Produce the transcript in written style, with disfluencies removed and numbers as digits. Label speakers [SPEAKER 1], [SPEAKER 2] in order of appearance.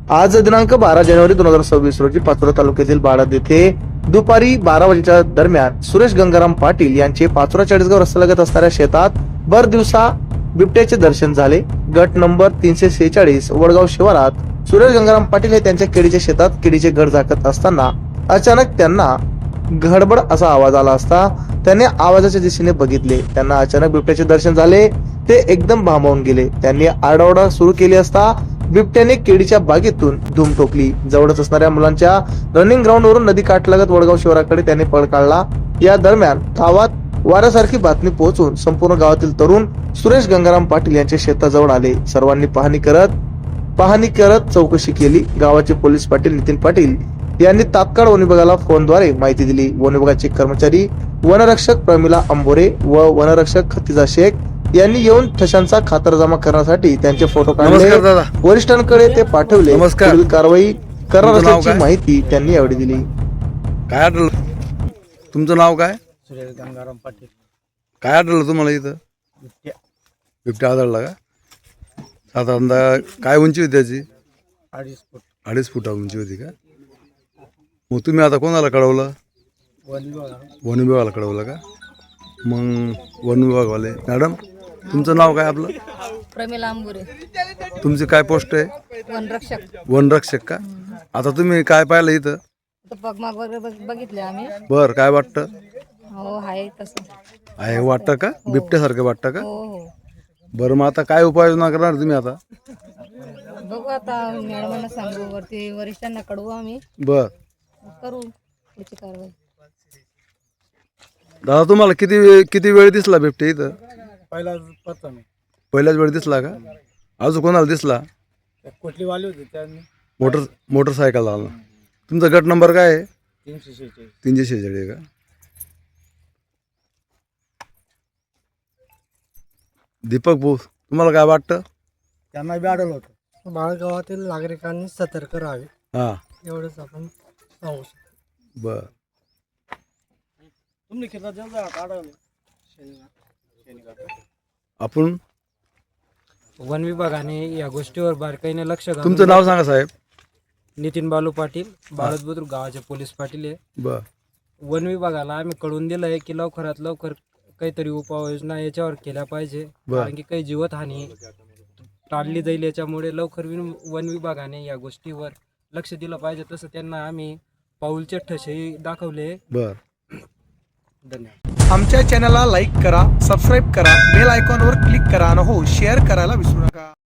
[SPEAKER 1] आज दिनांक 12 जानेवारी 2026 रोजी पाचोरा तालुक्यातील बाळद येथे दुपारी 12 वाजेच्या दरम्यान सुरेश गंगाराम पाटील यांचे पाचोरा चाळीसगाव रस्त्यालगत असणाऱ्या शेतात भर दिवसा बिबट्याचे दर्शन झाले। गट नंबर 346 वडगाव शिवारात सुरेश गंगाराम पाटील हे त्यांच्या केळीच्या शेतात केळीचे घड झाकत असताना अचानक त्यांना घडबड असा आवाज आला असता त्यांनी आवाजाच्या दिशेने बघितले। त्यांना अचानक बिबट्याचे दर्शन झाले, ते एकदम भांबावून गेले। त्यांनी आरडाओरडा सुरू केली असता बिबट्याने केळीच्या बागेतून धूम ठोकली। जवळच असणाऱ्या मुलांच्या रनिंग ग्राउंड वरून नदी काठलगत वडगाव शिवाराकडे त्याने पळ काढला। या दरम्यान गावात वाऱ्यासारखी बातमी पोहोचून संपूर्ण गावातील तरुण सुरेश गंगाराम पाटील यांच्या शेताजवळ आले। सर्वांनी पाहणी करत चौकशी केली। गावाचे पोलीस पाटील नितीन पाटील यांनी तात्काळ वन विभागाला फोनद्वारे माहिती दिली। वन विभागाचे कर्मचारी वनरक्षक प्रमिला अंबोरे व वनरक्षक खतिजा शेख यांनी येऊन ठशांचा खातरजमा करण्यासाठी त्यांचे फोटो काढले। वरिष्ठांकडे ते पाठवले। पुढील कारवाई करणार असल्याची माहिती त्यांनी यावेळी दिली।
[SPEAKER 2] काय आढळलं? तुमचं नाव काय?
[SPEAKER 3] सुरेश गंगाराम पाटील।
[SPEAKER 2] काय आढळलं तुम्हाला इथं? बिबट्या आढळला का? साधारणतः काय उंची होती त्याची?
[SPEAKER 3] 2.5 फूट।
[SPEAKER 2] 2.5 फूट उंची होती का? मग तुम्ही आता कोणाला कळवलं? वन विभागाला कळवलं का? मग वन विभागवाले मॅडम तुमचं नाव काय? आपलं
[SPEAKER 4] प्रमिला अंबुरे।
[SPEAKER 2] तुमची काय पोस्ट आहे?
[SPEAKER 4] वनरक्षक।
[SPEAKER 2] वनरक्षक का? आता तुम्ही काय पाहिलं इथं?
[SPEAKER 4] पगमाग वगैरे बघितले आम्ही।
[SPEAKER 2] बर काय वाटतं?
[SPEAKER 4] हो आहे तसं
[SPEAKER 2] आहे वाटतं का? बिबट्यासारखं वाटतं का?
[SPEAKER 4] हो हो
[SPEAKER 2] बरं मग आता काय उपाययोजना करणार तुम्ही आता?
[SPEAKER 4] बघू आता मॅडमांना सांगू, वरती वरिष्ठांना कळवू आम्ही,
[SPEAKER 2] बर
[SPEAKER 4] करू त्याची कारवाई।
[SPEAKER 2] दादा तुम्हाला किती वेळ दिसला बिबट्या इथं? पहिल्याच वेळ दिसला का? अजून कोणाला दिसला?
[SPEAKER 3] कोटलीवाले होते त्यांनी
[SPEAKER 2] मोटरसायकल आला। तुमचा गट नंबर काय आहे?
[SPEAKER 3] 346।
[SPEAKER 2] 346 का? दीपक भाऊ तुम्हाला काय वाटतं?
[SPEAKER 3] त्यांना बी आढळलं होतं। बाळगावातील नागरिकांनी सतर्क राहावे,
[SPEAKER 2] हा
[SPEAKER 3] एवढंच आपण सांगू शकतो।
[SPEAKER 2] बर
[SPEAKER 3] तुम्ही किती आढळलं?
[SPEAKER 2] आपण
[SPEAKER 3] वन विभागाने या गोष्टीवर बारकाईने लक्ष घालून
[SPEAKER 2] तुमचं नाव सांगा साहेब।
[SPEAKER 3] नितीन बालू पाटील, बाळद बुद्रुक गावाचे पोलीस पाटील आहे।
[SPEAKER 2] बर
[SPEAKER 3] वन विभागाला आम्ही कळवून दिलं आहे की लवकरात लवकर काहीतरी उपाययोजना याच्यावर केल्या पाहिजे, कारण की काही जीवितहानी टाळली जाईल। याच्यामुळे लवकर वन विभागाने या गोष्टीवर लक्ष दिलं पाहिजे। तसं त्यांना आम्ही पाऊलचे ठसे दाखवले।
[SPEAKER 2] बर
[SPEAKER 3] धन्यवाद।
[SPEAKER 1] आमच्या चॅनलला लाईक करा, सबस्क्राईब करा, बेल आयकॉनवर क्लिक करा आणि हो शेअर करायला विसरू नका।